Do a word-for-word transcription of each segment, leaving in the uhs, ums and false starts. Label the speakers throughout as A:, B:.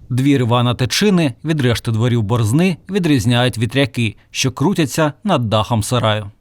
A: Двір Івана Тичини від решти дворів Борзни відрізняють вітряки, що крутяться над дахом сараю.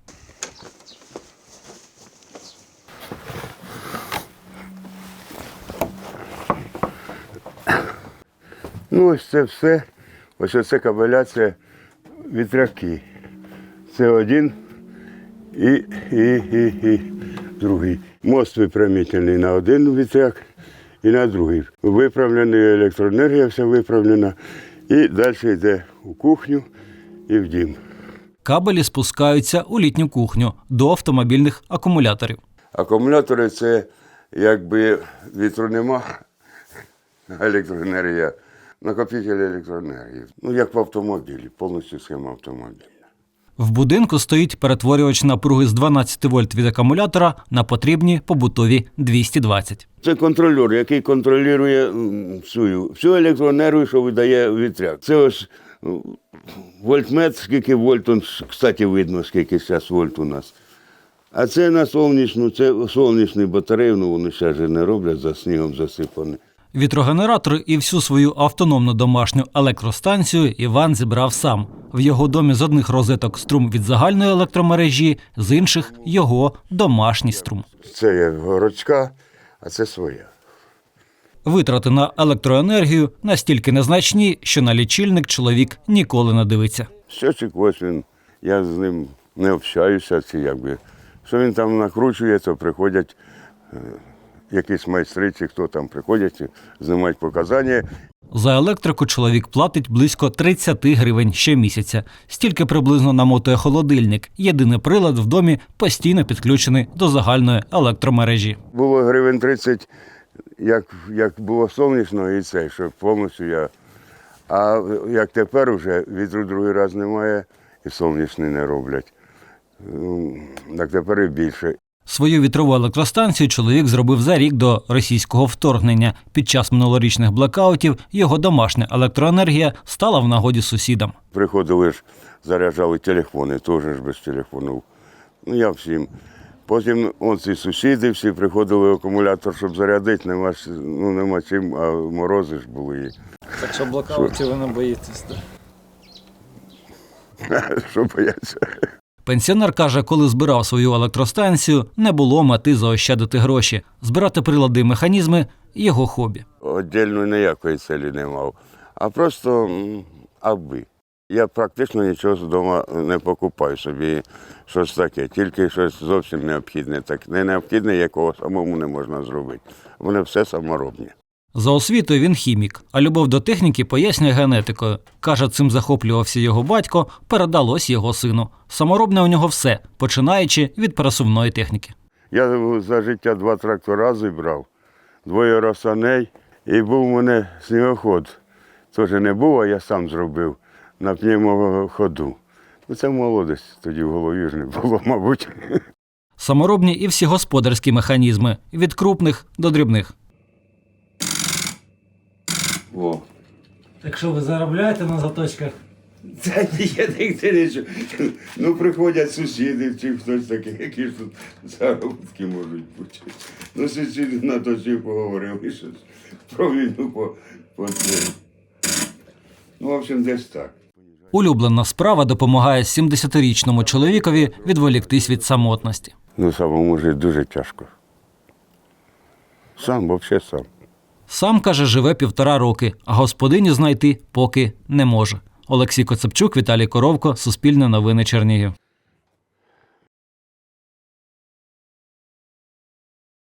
B: Ну, ось це все, ось оце кабеля, це вітряки. Це один і, і, і, і другий. Мост випрямительний на один вітряк і на другий. Виправлений, електроенергія вся виправлена. І далі йде у кухню і в дім.
A: Кабелі спускаються у літню кухню до автомобільних акумуляторів.
B: Акумулятори – це якби вітру нема, електроенергія, накопитель електроенергії. Ну, як в автомобілі, повністю схема автомобіля.
A: В будинку стоїть перетворювач напруги з дванадцяти вольт від акумулятора на потрібні побутові двісті двадцять.
B: Це контролер, який контролює всю, всю електроенергію, що видає вітряк. Це ось вольтметр, скільки вольт, он, кстати, видно, скільки зараз вольт у нас. А це на сонячну, це сонячні батареї, ну вони ще ж не роблять, за снігом засипані.
A: Вітрогенератор і всю свою автономну домашню електростанцію Іван зібрав сам. В його домі з одних розеток струм від загальної електромережі, з інших – його домашній струм.
B: Це є городська, а це своя.
A: Витрати на електроенергію настільки незначні, що на лічильник чоловік ніколи не дивиться.
B: Щочик ось він, я з ним не общаюся, чи якби. Що він там накручує, то приходять якісь майстри, чи хто там приходять, знімають показання.
A: За електрику чоловік платить близько тридцять гривень щомісяця. Стільки приблизно намотує холодильник. Єдиний прилад в домі постійно підключений до загальної електромережі.
B: Було гривень тридцять, як, як було сонячно і це, що повністю я. А як тепер вже вітру другий раз немає і сонячний не роблять. Так тепер і більше.
A: Свою вітрову електростанцію чоловік зробив за рік до російського вторгнення. Під час минулорічних блекаутів його домашня електроенергія стала в нагоді сусідам.
B: Приходили ж, заряджали телефони, теж ж без телефонів. Ну, я всім. Потім оці сусіди всі приходили акумулятор, щоб зарядити, нема, ну, нема чим, а морози ж були.
C: Так що блокаутів ви не боїтесь, так?
B: Що бояться?
A: Пенсіонер каже, коли збирав свою електростанцію, не було мети заощадити гроші. Збирати прилади і механізми – його хобі.
B: Отдільно ніякої цілі не мав, а просто м, аби. Я практично нічого з дому не покупаю собі, щось таке, тільки щось зовсім необхідне. Так, не необхідне, якого самому не можна зробити. Вони все саморобні.
A: За освітою він хімік, а любов до техніки пояснює генетикою. Каже, цим захоплювався його батько, передалось його сину. Саморобне у нього все, починаючи від пересувної техніки.
B: Я за життя два трактора зібрав, двоє росаней, і був у мене снігоход. Теж не був, а я сам зробив на пневмоходу. Ну, це молодість, тоді в голові ж не було, мабуть.
A: Саморобні і всі господарські механізми, від крупних до дрібних.
B: О.
A: Так що ви заробляєте на заточках?
B: Та ні, я не нічого. Ну, приходять сусіди, чи хтось такий, які ж тут заробітки можуть бути. Ну, сусіди на то всі поговорили, що про війну по, по це. Ну, в общем, десь так.
A: Улюблена справа допомагає сімдесятирічному чоловікові відволіктись від самотності.
B: Ну, самому жити дуже тяжко. Сам, взагалі сам.
A: Сам, каже, живе півтора роки, а господиню знайти поки не може. Олексій Коцепчук, Віталій Коровко, Суспільне новини, Чернігів.